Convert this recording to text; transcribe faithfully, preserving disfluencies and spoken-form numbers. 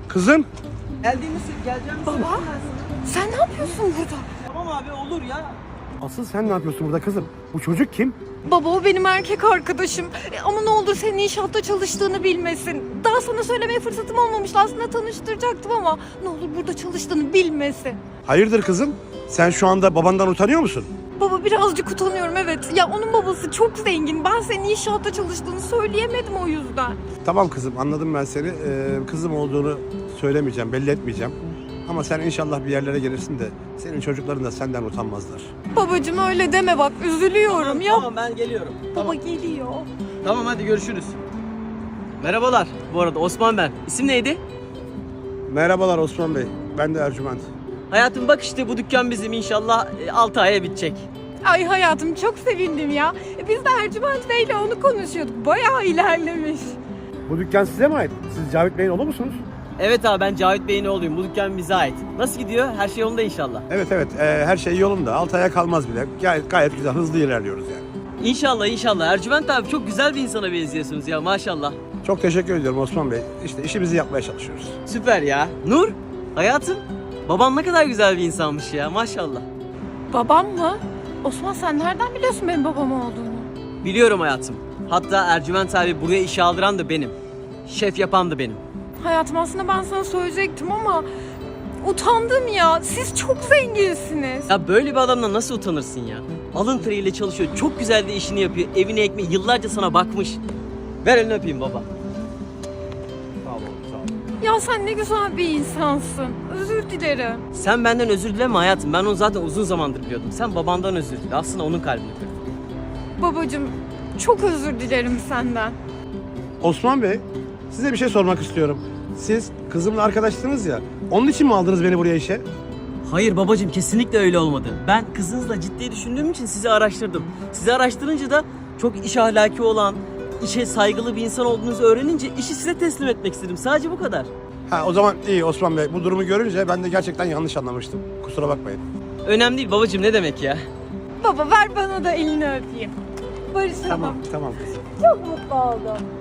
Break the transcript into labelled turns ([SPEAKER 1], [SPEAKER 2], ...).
[SPEAKER 1] Kızım.
[SPEAKER 2] Geldiğimiz geleceğimiz.
[SPEAKER 3] Baba, sen ne yapıyorsun burada?
[SPEAKER 2] Tamam abi olur ya.
[SPEAKER 1] Asıl sen ne yapıyorsun burada kızım? Bu çocuk kim?
[SPEAKER 3] Baba o benim erkek arkadaşım. E, ama ne olur senin inşaatta çalıştığını bilmesin. Daha sana söylemeye fırsatım olmamıştı. Aslında tanıştıracaktım ama ne olur burada çalıştığını bilmesin.
[SPEAKER 1] Hayırdır kızım? Sen şu anda babandan utanıyor musun?
[SPEAKER 3] Baba birazcık utanıyorum evet. Ya onun babası çok zengin. Ben senin inşaatta çalıştığını söyleyemedim o yüzden.
[SPEAKER 1] Tamam kızım, anladım ben seni. Ee, kızım olduğunu söylemeyeceğim, belli etmeyeceğim. Ama sen inşallah bir yerlere gelirsin de senin çocukların da senden utanmazlar.
[SPEAKER 3] Babacığım öyle deme bak üzülüyorum
[SPEAKER 2] Tamam,
[SPEAKER 3] ya.
[SPEAKER 2] tamam ben geliyorum.
[SPEAKER 3] Baba geliyor.
[SPEAKER 2] Tamam hadi görüşürüz. Merhabalar. Bu arada Osman ben. İsim neydi?
[SPEAKER 1] Merhabalar Osman Bey, ben de Ercüment.
[SPEAKER 2] Hayatım bak işte bu dükkan bizim inşallah altı aya bitecek.
[SPEAKER 3] Ay hayatım çok sevindim ya. E, Biz de Ercüment Bey'le onu konuşuyorduk. Bayağı ilerlemiş.
[SPEAKER 1] Bu dükkan size mi ait? Siz Cavit Bey'in oğlu musunuz?
[SPEAKER 2] Evet abi ben Cavit Bey'in oğluyum. Bu dükkan bize ait. Nasıl gidiyor? Her şey yolunda inşallah.
[SPEAKER 1] Evet evet, ee, her şey yolunda. Altı aya kalmaz bile. Gayet, gayet güzel, hızlı ilerliyoruz yani.
[SPEAKER 2] İnşallah inşallah. Ercüment abi çok güzel bir insana benziyorsunuz ya maşallah.
[SPEAKER 1] Çok teşekkür ediyorum Osman Bey. İşte işimizi yapmaya çalışıyoruz.
[SPEAKER 2] Süper ya. Nur, hayatım. Baban ne kadar güzel bir insanmış ya maşallah.
[SPEAKER 3] Babam mı? Osman sen nereden biliyorsun benim babam olduğunu?
[SPEAKER 2] Biliyorum hayatım. Hatta Ercüment abi buraya işe aldıran da benim. Şef yapan da benim.
[SPEAKER 3] Hayatım aslında ben sana söyleyecektim ama utandım ya. Siz çok zenginsiniz.
[SPEAKER 2] Ya böyle bir adamla nasıl utanırsın ya? Alın teriyle çalışıyor. Çok güzel de işini yapıyor. Evine ekmeği yıllarca sana bakmış. Ver elini öpeyim baba.
[SPEAKER 1] Sağ olun, sağ olun.
[SPEAKER 3] Ya sen ne güzel bir insansın. Özür dilerim.
[SPEAKER 2] Sen benden özür dileme hayatım. Ben onu zaten uzun zamandır biliyordum. Sen babandan özür dile. Aslında onun kalbini kırdın.
[SPEAKER 3] Babacığım çok özür dilerim senden.
[SPEAKER 1] Osman Bey, size bir şey sormak istiyorum. Siz kızımla arkadaştınız ya, onun için mi aldınız beni buraya işe?
[SPEAKER 2] Hayır babacığım kesinlikle öyle olmadı. Ben kızınızla ciddi düşündüğüm için sizi araştırdım. Sizi araştırınca da çok iş ahlaki olan, işe saygılı bir insan olduğunuzu öğrenince işi size teslim etmek istedim. Sadece bu kadar.
[SPEAKER 1] Ha, o zaman iyi Osman Bey. Bu durumu görünce ben de gerçekten yanlış anlamıştım. Kusura bakmayın.
[SPEAKER 2] Önemli değil babacığım ne demek ya?
[SPEAKER 3] Baba ver bana da elini öpeyim. Barışalım.
[SPEAKER 1] Tamam, tamam kızım.
[SPEAKER 3] Çok mutlu oldum.